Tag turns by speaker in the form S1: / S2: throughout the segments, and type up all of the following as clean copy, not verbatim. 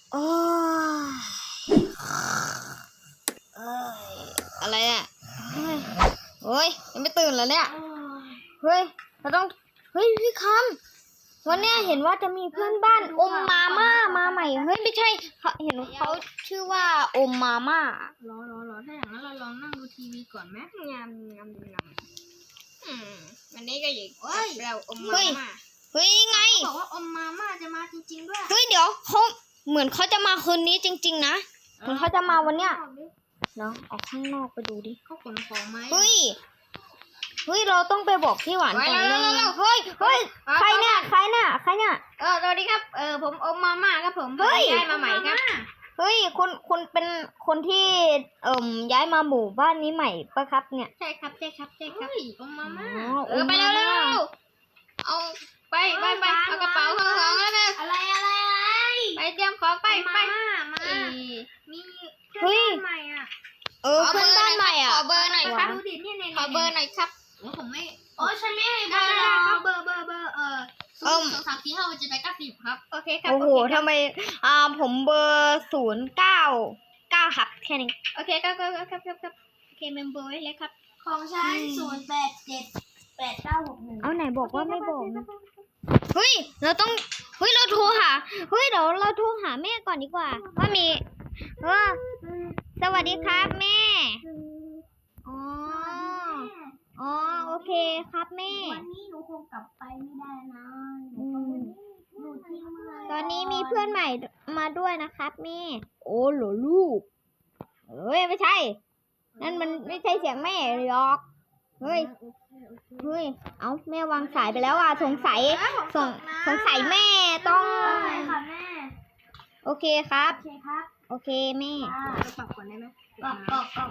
S1: โอ้อะไรอ่ะโอ้ยยังไม่ตื่นแล้วเนี่ยเฮ้ยเราต้องพี่คำวันเนี้ยเห็นว่าจะมีเพื่อนบ้านอมมาม่ามาใหม่เฮ้ยไม่ใช่เห็นเขาชื่อว่าอมมาม่าร
S2: อถ้าอย่างนั้นเราลองนั่งดูทีวีก่อนไหมงามวันนี้ก็อยู่เราอมมาม่า
S1: เฮ้ยไง
S2: บอกว่าอมมาม่าจะมาจริงๆด้วย
S1: เฮ้ยเดี๋ยวเขาเหมือนเขาจะมาคืนนี้จริงๆนะเหมือนเขาจะมาวันเนี้ยเนาะออกข้างนอกไปดูดิ
S2: เขาขนของไหม
S1: เฮ้ยเราต้องไปบอกพี่หวานก่อนเเฮ้ยใครเนี่ยสวัสดีครับ
S2: ผมอมมาม่าครับผมย้ายมาใหม่ครับ
S1: เฮ้ยคุณเป็นคนที่ย้ายมาหมู่บ้านนี้ใหม่ปะครับเนี่ย
S2: ใช่ครับอมมาม่า
S1: ไปเร็ว
S2: เอาไปเอากระเป๋าของแล้วกันอะไรไปเตรียมของไปมีเพื่อนบ้านใหม่อ่ะ
S1: เพื่อนบ้านใหม่อ่ะ
S2: ขอเบอร์หน่อยครับดูดิเนี่ยขอเบอร์หน่อยครับผมไม่ฉันไม่ให้เบอร์เบอร์02345678910ครับโอเคครับ
S1: โอ้โหทำไมผมเบอร์099ครับแค่นี้
S2: โอเคครับโอเคเมมเบอร์ไว้เลยครับของฉัน08789611
S1: เอาไหนบอกว่าไม่บอกเฮ้ยเราโทรหาเดี๋ยวเราโทรหาแม่ก่อนดีกว่าว่ามีสวัสดีครับแม่อ๋อโอเคครับแม่
S2: วันนี้หนูคงกลับไปไม่ได้นะหนูที่เมือง
S1: ตอนนี้มีเพื่อนใหม่มาด้วยนะครับแม่โอ้เหรอลูกไม่ใช่นั่นมันไม่ใช่เสียงแม่หรอกเฮ้ยเอาแม่วางสายไปแล้วอ่ะสงสัยแม่ต้องโอเคครับโอเคแม่
S2: ปรับก่อนได้ไหม
S1: ปรับ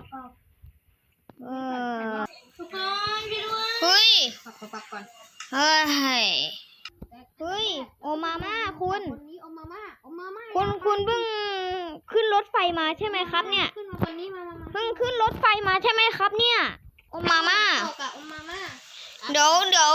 S2: ทุกคนพี่ด้วย
S1: เฮ้ย
S2: ปรับก่อน
S1: เฮ้ยโอมาม่าคุณ
S2: นี้โอมาม่า
S1: คุณเพิ่งขึ้นรถไฟมาใช่ไหมครับเนี่ย
S2: ขึ้นมาคนนี้มา
S1: เพิ่งขึ้นรถไฟมาใช่ไหมครับเนี่ยโอมาม่าเดี๋ยว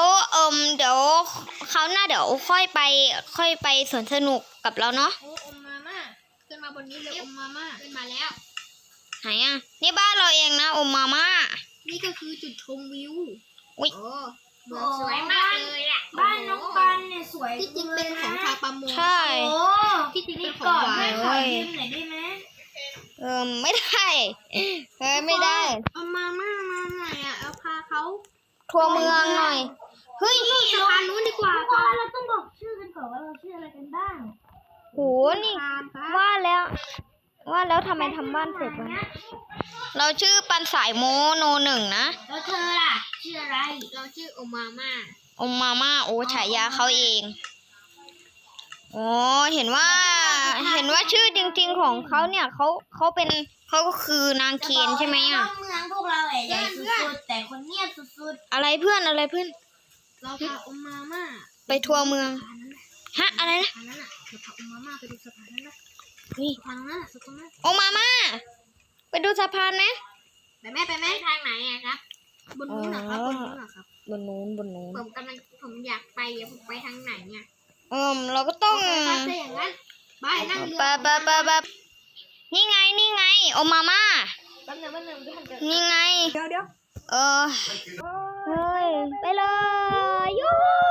S1: เขาหน้าเดี๋ยวค่อยไปสวนสนุกกับเราเนาะ
S2: โอมาม่าขึ้นมาบนนี้เลยโอมาม่าขึ้นมาแล้ว
S1: ไหนอ่ะนี่บ้านเราเองนะโอมาม่า
S2: นี่ก็คือจุดชมวิว
S1: อุ๊ย
S2: สวยมากเลยอ่ะบ้านน้องปันเนี่ยสวยที่จริงเป็นของชาวประมง
S1: ใช่
S2: ที่จริงเป็นของหวานเลยไหนได้ไหม
S1: ไม่ได้ไม่ได้
S2: เอามาหน่อยอ่ะเอาพาเขา
S1: ทัวร์เมืองหน่อยเฮ้ย
S2: สะพานนู้นดีกว่าเราต้องบอกชื่อกันก่อนว่าเราชื่ออะไรกันบ้าง
S1: โหนี่ว่าแล้วทำไมทำบ้านเสร็จวะเราชื่อปันสายโมโน1นะ
S2: แล้วเธอล่ะชื่ออะไรเราชื่อโอมาม่า
S1: โอ้ฉายาเขาเองโอ้เห็นว่าชื่อจริงๆของเขาเนี่ยเขาก็คือนางเคนใช่ไหมอ่ะ
S2: เมืองพวกเราใหญ่สุดๆแต่คนเงียบสุด
S1: ๆอะไรเพื่อนเรา
S2: พาโอมาม่า
S1: ไปทัวร์เมืองฮะอะไรนะ
S2: เราพาโอมาม่าไปดูสะพานนั้นนะ
S1: ทางนั้นโอมาม่าไปดูสะพานไหม
S2: ไปแม่ทางไหนอะครับบนนู้นเหรอครับ
S1: บนนู้น
S2: ผมอยากไปผมไปทางไหนเนี่ย
S1: เราก็ต้อง
S2: อย่างนั้นไปนั่งเรือ
S1: ไปนี่ไงโอมาม่า
S2: แป๊บนึง
S1: นี่ไง
S2: เดี๋ยว
S1: เฮ้ยไปเลยยู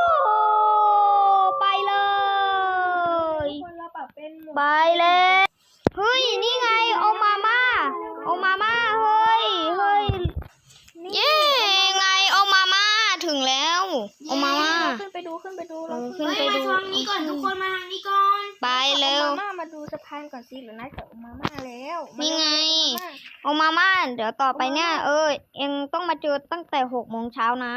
S1: ไปเลยไปเลยเฮ้ยนี่ไงโอมาม่าเฮ้ยเย้ไงโอมาม่าถึงแล้วโอมาม่า
S2: ขึ้นไปดู
S1: มาทาง
S2: นี้ก่อนทุกคนมาทางนี้ก่อน
S1: ไปเร็ว
S2: มาดูสะพานก่อนสิหรือนัดกับโอมาม่าแล้ว
S1: นี่ไงโอมาม่าเดี๋ยวต่อไปเนี่ยเอ็งต้องมาเจอตั้งแต่6 โมงเช้านะ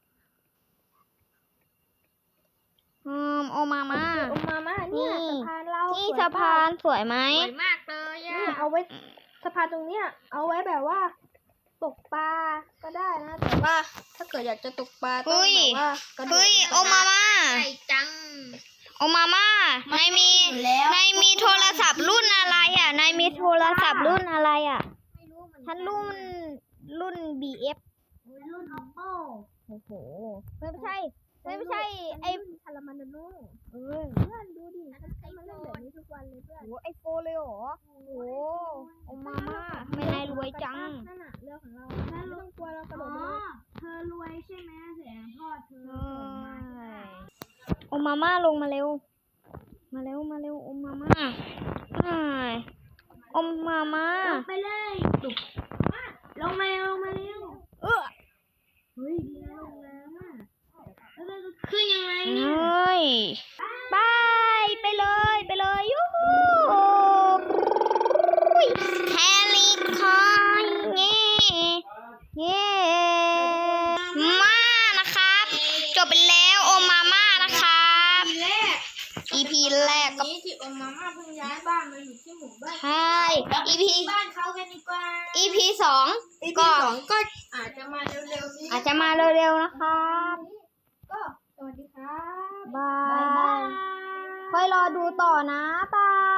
S1: โอมาม่า
S2: เนี่ยสะพานเรา
S1: นี่สะพานสวยไหม
S2: สวยมากเลยอ่ะเอาไว้สะพานตรงเนี้ยเอาไว้แบบว่าตกปลาก็ได้นะแต่ว่าถ้าเกิดอยากจะตกปลาต้องแบบว่า
S1: โอมาม่า
S2: ใช่จัง
S1: โอมาม่านายมีโทรศัพท์รุ่นอะไรอ่ะนายมีโทรศัพท์รุ่นอะไรอ่ะฉันรุ่น BF
S2: รุ่น Oppo
S1: โอ้โหไม่ใช่ไอ้
S2: ชาลามันโนเพื่อนดูดิมันเล่นแบบนี้ทุกวันเลยเพื่อน
S1: ไอโฟเลยเหรอโอ้โหโอมาม่าทำไมนายรวยจัง
S2: นั่นน่ะเรือของเราไม่ต้องกลัวเรากระโดดลงเธอรวยใช่ไหมเสียงพ่อเธอส่งมาใช่ไหม
S1: โอมาม่าลงมาเร็ว มาเร็วโอมาม่าโอมาม่า
S2: ลงไปเลยตุกลงมาเร็วเฮ้ยดีนะลงน้ำอ่ะแล้วเราจะขึ้นยังไง
S1: เฮ
S2: เนี่ย้
S1: ยไปเลยยูฮูแฮลิคอยเย่มานะครับ จบไปแล้วโอมาม่านะครับ
S2: ทีแรก
S1: EP แรกก็
S2: นี้ที่อมมาม่าเพิ่งย้ายบ้านมาอยู่ที่หมู่บ้าน
S1: ใช่ EP
S2: บ้านเขากันดีกว่า
S1: EP สอง
S2: EP
S1: ก็
S2: สองก็อาจจะมาเร็วๆนี้
S1: อาจจะมาเร็วๆนะครับ
S2: ก็สวัสดีครับ
S1: บาย ค่อยรอดูต่อนะบาย